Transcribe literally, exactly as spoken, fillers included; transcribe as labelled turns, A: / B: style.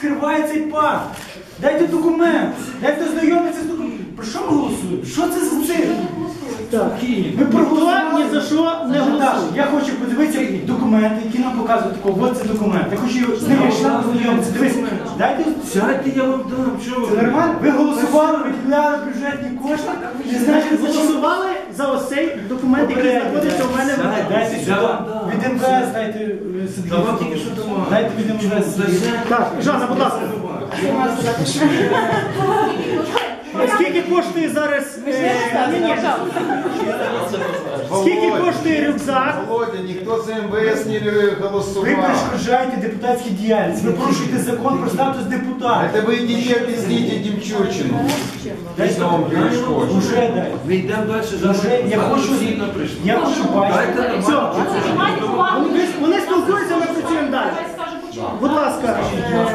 A: скриває цей пакт. Дайте документ, дайте знайомитися з документом. Про що ми голосуємо? Що це за цирк?
B: Так,
A: Ми проголосували.
B: ні за що не голосуємо.
A: Я хочу подивитися документи, які нам показують такого. Ось це документ. Я хочу з ними знайомитися. Дивись, дайте.
C: Сядьте, я вам дам. Що ви?
A: Це нормально? Ви голосували, виділяли бюджетні кошти.
B: Ви значить, голосували за ось цей документ, який знаходиться у мене в руках.
A: Дайте сюди. Від ем ве ес дайте собі.
C: Та вам тільки що дамо.
A: Дайте від ем ве ес.
B: Так, Жанна, будь ласка. Скільки коштує зараз? е, ні, ні. Скільки коштує рюкзак?
D: Володя, ніхто за ем ве ес не
A: Ви
D: голосував.
A: перешкоджаєте депутатській діяльність. Ви порушуєте закон про статус депутата.
D: Это вы идите объясните Демчурчину.
A: Дайте
D: Что он перешкоджает.
A: Уже дай.
C: Ми йдемо далі,
A: Уже я хочу,
C: сильно прийшли.
A: я хочу бачити.
C: Дайте
B: Все.
C: нормально.
B: Вони, вони спілкуються, ми працюємо далі. Будь ласка.